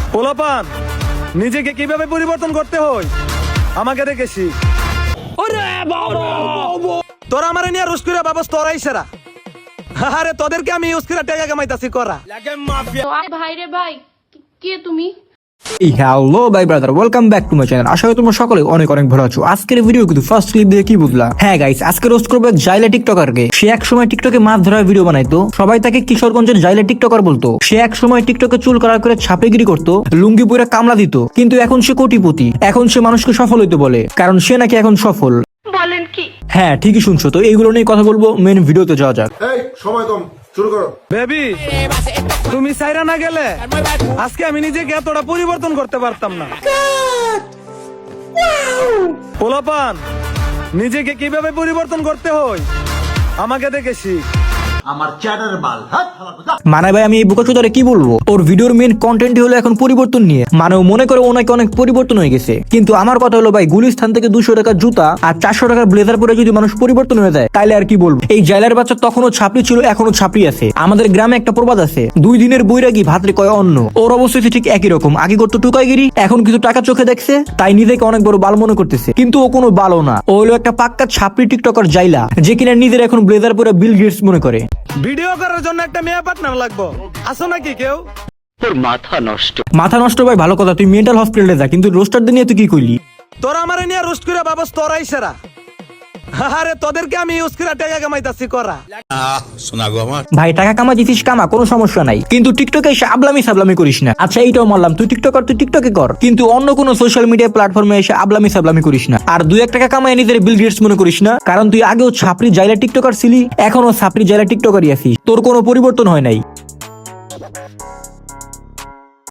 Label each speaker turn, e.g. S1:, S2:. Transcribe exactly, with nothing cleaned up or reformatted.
S1: পোলাপান নিজেকে কিভাবে পরিবর্তন করতে হয় আমাকে দেখে শিখ। তোরা আমার নিয়ে রুশ করে বাবস তোরাই সেরা। আরে তোদেরকে আমি ইউজ করে টাকা কামাইতাছি করা।
S2: ভাই রে ভাই, কে তুমি?
S3: হ্যালো ভাই brother, welcome back to my channel. আশা করি তোমরা সকলে অনেক অনেক ভালো আছো। আজকের ভিডিও কিন্তু ফার্স্ট ক্লিপ দিয়ে কি বুঝলা? হ্যাঁ গাইস, আজকে রোস্ট করবো এক জাইলা টিকটকারকে। সে এক সময় টিকটকে মাছ ধরার ভিডিও বানাইতো, সবাই তাকে কিশোরগঞ্জের জাইলা টিকটকার বলতো। সে এক সময় টিকটকে চুল কালার করে ছাপেগিরি করতো, লুঙ্গি পরে কামলা দিত। কিন্তু এখন সে কোটিপতি, এখন সে মানুষকে সফল হইতে বলে, কারণ সে নাকি এখন সফল।
S2: বলেন কি?
S3: হ্যাঁ ঠিকই শুনছো। তো এইগুলো নিয়ে কথা বলবো, মেন ভিডিওতে যাওয়া যাক।
S4: এই সময় কম, শুরু করো।
S1: বেবি তুমি সাইরা না গেলে আজকে আমি নিজেকে এতটা পরিবর্তন করতে পারতাম না। পোলাপান নিজেকে কিভাবে পরিবর্তন করতে হয় আমাকে দেখে শিখ।
S4: আমার চ্যাটার মাল
S3: মানে ভাই আমি এই বোকাচোদারে কি বলবো? ওর ভিডিওর মেন কন্টেন্টই হলো এখন পরিবর্তন নিয়ে। মানে ও মনে করে ওনাকে অনেক পরিবর্তন হয়ে গেছে, কিন্তু আমার কথা হলো ভাই, গুলিস্থান থেকে দুশো টাকার জুতা আর চারশো টাকার ব্লেজার পরে যদি মানুষ পরিবর্তন হয়ে যায় তাইলে আর কি বলবো? এই জাইলার বাচ্চা তখনও ছাপড়ি ছিল, এখনো ছাপড়ি আছে। আমাদের গ্রামে একটা প্রবাদ আছে, দুই দিনের বৈরাগী ভাতরে কয় অন্ন। ওর অবস্থা ঠিক একই রকম। আগে করতো টুকাইগিরি, এখন কিছু টাকা চোখে দেখছে তাই নিজেকে অনেক বড় বাল মনে করতেছে, কিন্তু ও কোনো বালো না। ও হলো একটা পাক্কা ছাপড়ি টিকটকার জাইলা, যে কিনা নিজের এখন ব্লেজার পরে বিল গেটস মনে করে।
S1: ভিডিও করার জন্য একটা মেয়ে পার্টনার লাগবো, আসো নাকি কেউ?
S3: মাথা নষ্ট ভাই ভালো কথা, তুই মেন্টাল হসপিটালে যা। কিন্তু রোস্টার নিয়ে তুই কি কইলি?
S1: তোরা আমার নিয়ে রোস্ট করে বাবস তোরাই সেরা। আরে তোদেরকে আমি ইউজ করে টাকা কামাইতাছি করা।
S3: ভাই টাকা কামা দিছিস কামা, কোনো সমস্যা নাই, কিন্তু টিকটকে এসে আবলামি সাবলামি করিস না। আচ্ছা এইটাও মানলাম, তুই টিকটকার, তুই টিকটকে কর, কিন্তু অন্য কোনো সোশ্যাল মিডিয়া প্ল্যাটফর্মে এসে আবলামি সাবলামি করিস না। আর দুই এক টাকা কামাই নিজের বিল গেটস মনে করিস না, কারণ তুই আগেও ছাপড়ি জাইলা টিকটকার ছিলি, এখনো ছাপড়ি জাইলা টিকটকারই আছিস। তোর কোনো পরিবর্তন হয় নাই।